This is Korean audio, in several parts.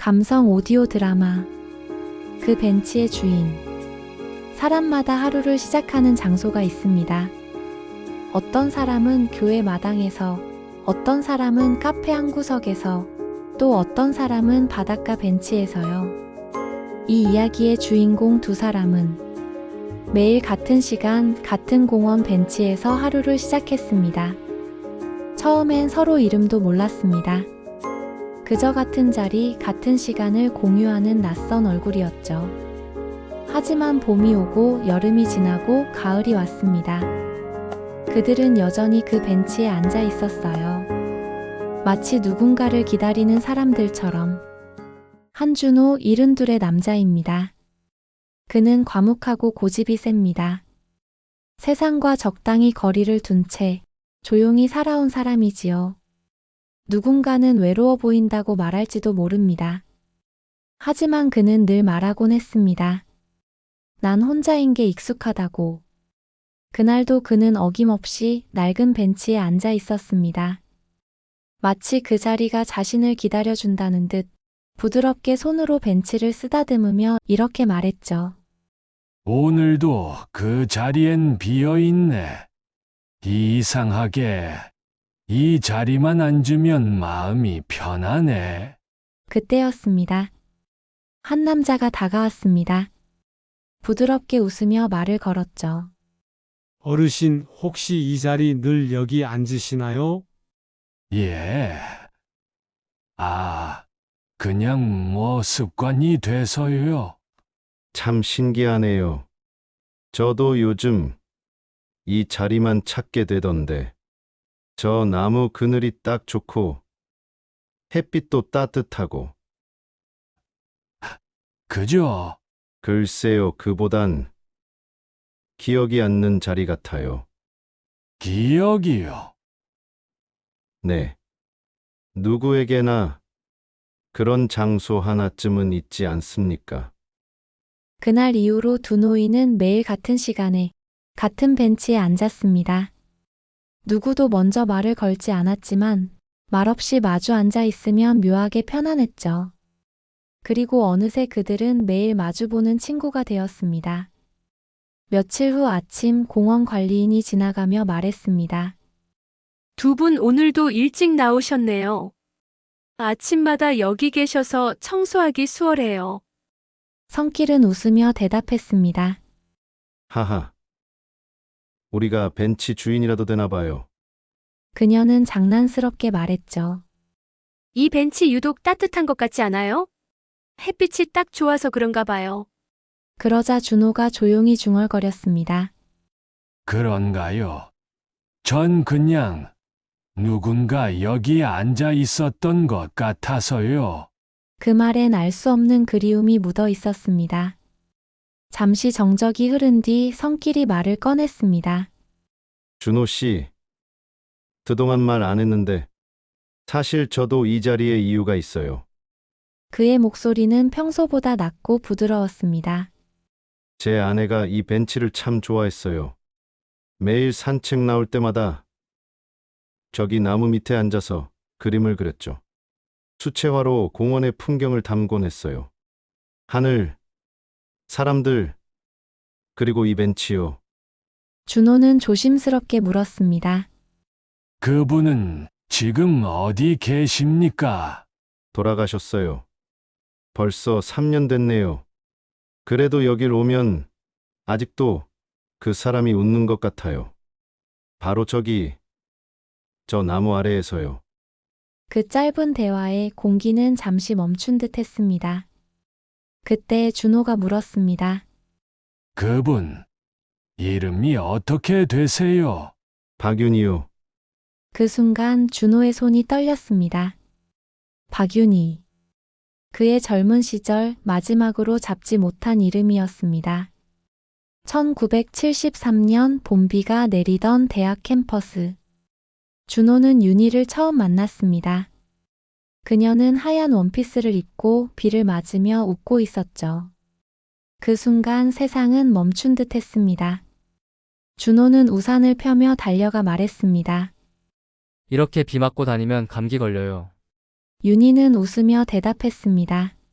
감성 오디오 드라마 그 벤치의 주인. 사람마다 하루를 시작하는 장소가 있습니다. 어떤 사람은 교회 마당에서, 어떤 사람은 카페 한 구석에서, 또 어떤 사람은 바닷가 벤치에서요. 이 이야기의 주인공 두 사람은 매일 같은 시간, 같은 공원 벤치에서 하루를 시작했습니다. 처음엔 서로 이름도 몰랐습니다. 그저 같은 자리, 같은 시간을 공유하는 낯선 얼굴이었죠. 하지만 봄이 오고 여름이 지나고 가을이 왔습니다. 그들은 여전히 그 벤치에 앉아 있었어요. 마치 누군가를 기다리는 사람들처럼. 한준호 72의 남자입니다. 그는 과묵하고 고집이 셉니다. 세상과 적당히 거리를 둔 채 조용히 살아온 사람이지요. 누군가는 외로워 보인다고 말할지도 모릅니다. 하지만 그는 늘 말하곤 했습니다. 난 혼자인 게 익숙하다고. 그날도 그는 어김없이 낡은 벤치에 앉아 있었습니다. 마치 그 자리가 자신을 기다려준다는 듯 부드럽게 손으로 벤치를 쓰다듬으며 이렇게 말했죠. 오늘도 그 자리엔 비어있네. 이상하게 이 자리만 앉으면 마음이 편하네. 그때였습니다. 한 남자가 다가왔습니다. 부드럽게 웃으며 말을 걸었죠. 어르신, 혹시 이 자리 늘 여기 앉으시나요? 예. 그냥 습관이 돼서요. 참 신기하네요. 저도 요즘 이 자리만 찾게 되던데. 저 나무 그늘이 딱 좋고 햇빛도 따뜻하고. 그죠? 글쎄요, 그보단 기억이 앉는 자리 같아요. 기억이요. 네. 누구에게나 그런 장소 하나쯤은 있지 않습니까? 그날 이후로 두 노인은 매일 같은 시간에 같은 벤치에 앉았습니다. 누구도 먼저 말을 걸지 않았지만 말없이 마주 앉아 있으면 묘하게 편안했죠. 그리고 어느새 그들은 매일 마주보는 친구가 되었습니다. 며칠 후 아침 공원 관리인이 지나가며 말했습니다. 두 분 오늘도 일찍 나오셨네요. 아침마다 여기 계셔서 청소하기 수월해요. 성길은 웃으며 대답했습니다. 하하. 우리가 벤치 주인이라도 되나 봐요. 그녀는 장난스럽게 말했죠. 이 벤치 유독 따뜻한 것 같지 않아요? 햇빛이 딱 좋아서 그런가 봐요. 그러자 준호가 조용히 중얼거렸습니다. 그런가요? 전 그냥 누군가 여기 앉아 있었던 것 같아서요. 그 말엔 알 수 없는 그리움이 묻어 있었습니다. 잠시 정적이 흐른 뒤 성길이 말을 꺼냈습니다. 준호 씨, 그동안 말 안 했는데 사실 저도 이 자리에 이유가 있어요. 그의 목소리는 평소보다 낮고 부드러웠습니다. 제 아내가 이 벤치를 참 좋아했어요. 매일 산책 나올 때마다 저기 나무 밑에 앉아서 그림을 그렸죠. 수채화로 공원의 풍경을 담곤 했어요. 하늘, 사람들, 그리고 이 벤치요. 준호는 조심스럽게 물었습니다. 그분은 지금 어디 계십니까? 돌아가셨어요. 벌써 3년 됐네요. 그래도 여길 오면 아직도 그 사람이 웃는 것 같아요. 바로 저기, 저 나무 아래에서요. 그 짧은 대화에 공기는 잠시 멈춘 듯 했습니다. 그때 준호가 물었습니다. 그분, 이름이 어떻게 되세요? 박윤이요. 그 순간 준호의 손이 떨렸습니다. 박윤희. 그의 젊은 시절 마지막으로 잡지 못한 이름이었습니다. 1973년 봄비가 내리던 대학 캠퍼스. 준호는 윤희를 처음 만났습니다. 그녀는 하얀 원피스를 입고 비를 맞으며 웃고 있었죠. 그 순간 세상은 멈춘 듯 했습니다. 준호는 우산을 펴며 달려가 말했습니다. 이렇게 비 맞고 다니면 감기 걸려요. 윤희는 웃으며 대답했습니다.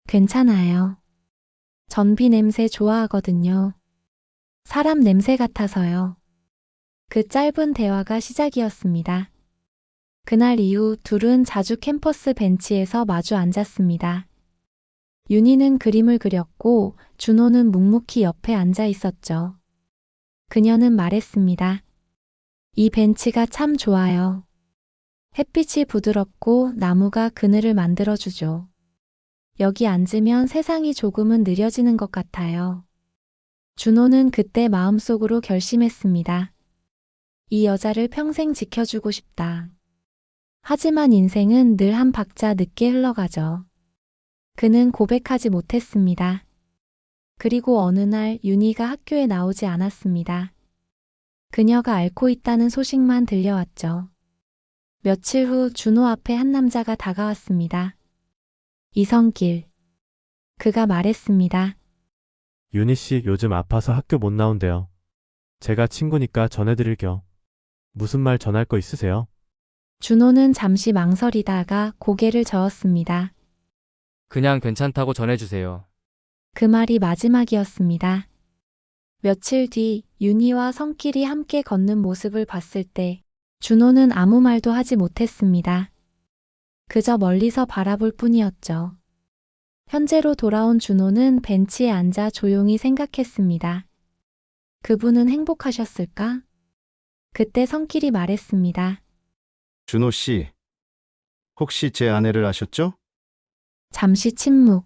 괜찮아요. 전비 냄새 좋아하거든요. 사람 냄새 같아서요. 그 짧은 대화가 시작이었습니다. 그날 이후 둘은 자주 캠퍼스 벤치에서 마주 앉았습니다. 윤희는 그림을 그렸고 준호는 묵묵히 옆에 앉아 있었죠. 그녀는 말했습니다. 이 벤치가 참 좋아요. 햇빛이 부드럽고 나무가 그늘을 만들어주죠. 여기 앉으면 세상이 조금은 느려지는 것 같아요. 준호는 그때 마음속으로 결심했습니다. 이 여자를 평생 지켜주고 싶다. 하지만 인생은 늘 한 박자 늦게 흘러가죠. 그는 고백하지 못했습니다. 그리고 어느 날 윤희가 학교에 나오지 않았습니다. 그녀가 앓고 있다는 소식만 들려왔죠. 며칠 후 준호 앞에 한 남자가 다가왔습니다. 이성길. 그가 말했습니다. 윤희 씨 요즘 아파서 학교 못 나온대요. 제가 친구니까 전해드릴게요. 무슨 말 전할 거 있으세요? 준호는 잠시 망설이다가 고개를 저었습니다. 그냥 괜찮다고 전해주세요. 그 말이 마지막이었습니다. 며칠 뒤 윤희와 성길이 함께 걷는 모습을 봤을 때 준호는 아무 말도 하지 못했습니다. 그저 멀리서 바라볼 뿐이었죠. 현재로 돌아온 준호는 벤치에 앉아 조용히 생각했습니다. 그분은 행복하셨을까? 그때 성길이 말했습니다. 준호 씨, 혹시 제 아내를 아셨죠? 잠시 침묵.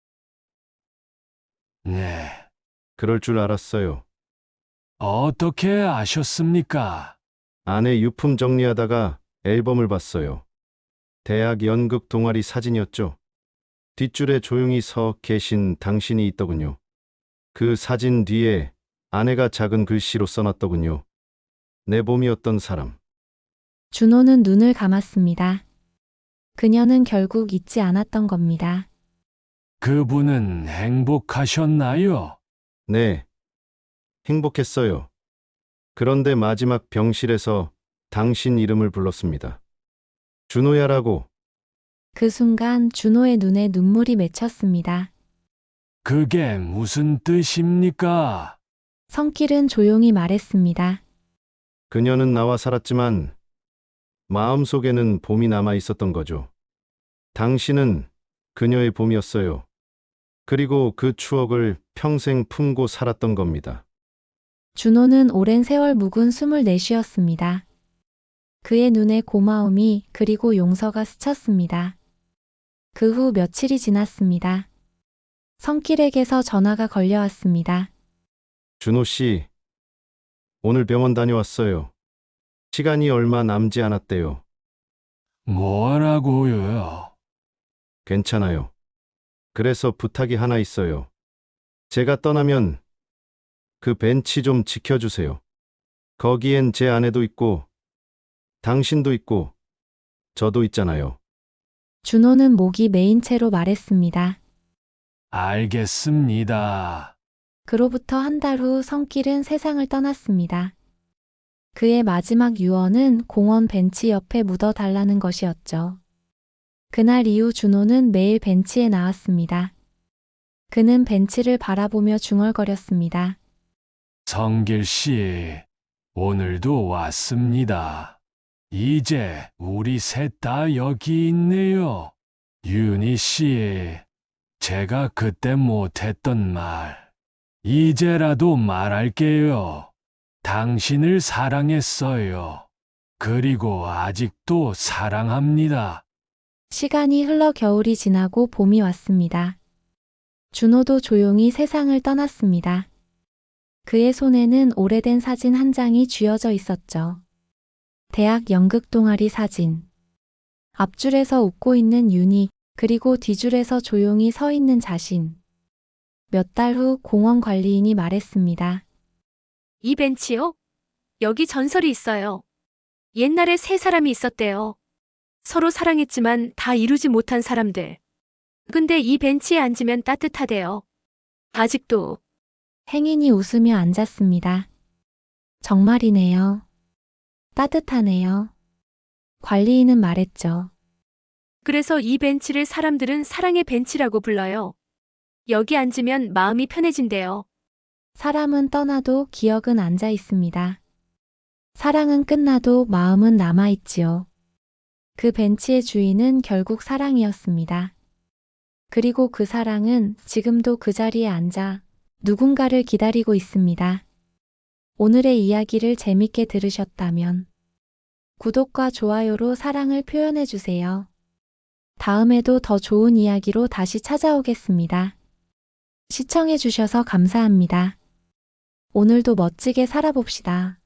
네. 그럴 줄 알았어요. 어떻게 아셨습니까? 아내 유품 정리하다가 앨범을 봤어요. 대학 연극 동아리 사진이었죠. 뒷줄에 조용히 서 계신 당신이 있더군요. 그 사진 뒤에 아내가 작은 글씨로 써놨더군요. 내 봄이었던 사람. 준호는 눈을 감았습니다. 그녀는 결국 잊지 않았던 겁니다. 그분은 행복하셨나요? 네. 행복했어요. 그런데 마지막 병실에서 당신 이름을 불렀습니다. 준호야라고. 그 순간 준호의 눈에 눈물이 맺혔습니다. 그게 무슨 뜻입니까? 성길은 조용히 말했습니다. 그녀는 나와 살았지만 마음속에는 봄이 남아 있었던 거죠. 당신은 그녀의 봄이었어요. 그리고 그 추억을 평생 품고 살았던 겁니다. 준호는 오랜 세월 묵은 숨을 내쉬었습니다. 그의 눈에 고마움이 그리고 용서가 스쳤습니다. 그 후 며칠이 지났습니다. 성길에게서 전화가 걸려왔습니다. 준호 씨, 오늘 병원 다녀왔어요. 시간이 얼마 남지 않았대요. 뭐라고요? 괜찮아요. 그래서 부탁이 하나 있어요. 제가 떠나면 그 벤치 좀 지켜주세요. 거기엔 제 아내도 있고 당신도 있고 저도 있잖아요. 준호는 목이 메인 채로 말했습니다. 알겠습니다. 그로부터 한 달 후 성길은 세상을 떠났습니다. 그의 마지막 유언은 공원 벤치 옆에 묻어달라는 것이었죠. 그날 이후 준호는 매일 벤치에 나왔습니다. 그는 벤치를 바라보며 중얼거렸습니다. 성길 씨, 오늘도 왔습니다. 이제 우리 셋 다 여기 있네요. 윤희 씨, 제가 그때 못했던 말, 이제라도 말할게요. 당신을 사랑했어요. 그리고 아직도 사랑합니다. 시간이 흘러 겨울이 지나고 봄이 왔습니다. 준호도 조용히 세상을 떠났습니다. 그의 손에는 오래된 사진 한 장이 쥐어져 있었죠. 대학 연극 동아리 사진. 앞줄에서 웃고 있는 윤희, 그리고 뒤줄에서 조용히 서 있는 자신. 몇 달 후 공원 관리인이 말했습니다. 이 벤치요? 여기 전설이 있어요. 옛날에 세 사람이 있었대요. 서로 사랑했지만 다 이루지 못한 사람들. 근데 이 벤치에 앉으면 따뜻하대요. 아직도. 행인이 웃으며 앉았습니다. 정말이네요. 따뜻하네요. 관리인은 말했죠. 그래서 이 벤치를 사람들은 사랑의 벤치라고 불러요. 여기 앉으면 마음이 편해진대요. 사람은 떠나도 기억은 앉아 있습니다. 사랑은 끝나도 마음은 남아있지요. 그 벤치의 주인은 결국 사랑이었습니다. 그리고 그 사랑은 지금도 그 자리에 앉아 누군가를 기다리고 있습니다. 오늘의 이야기를 재밌게 들으셨다면 구독과 좋아요로 사랑을 표현해주세요. 다음에도 더 좋은 이야기로 다시 찾아오겠습니다. 시청해주셔서 감사합니다. 오늘도 멋지게 살아봅시다.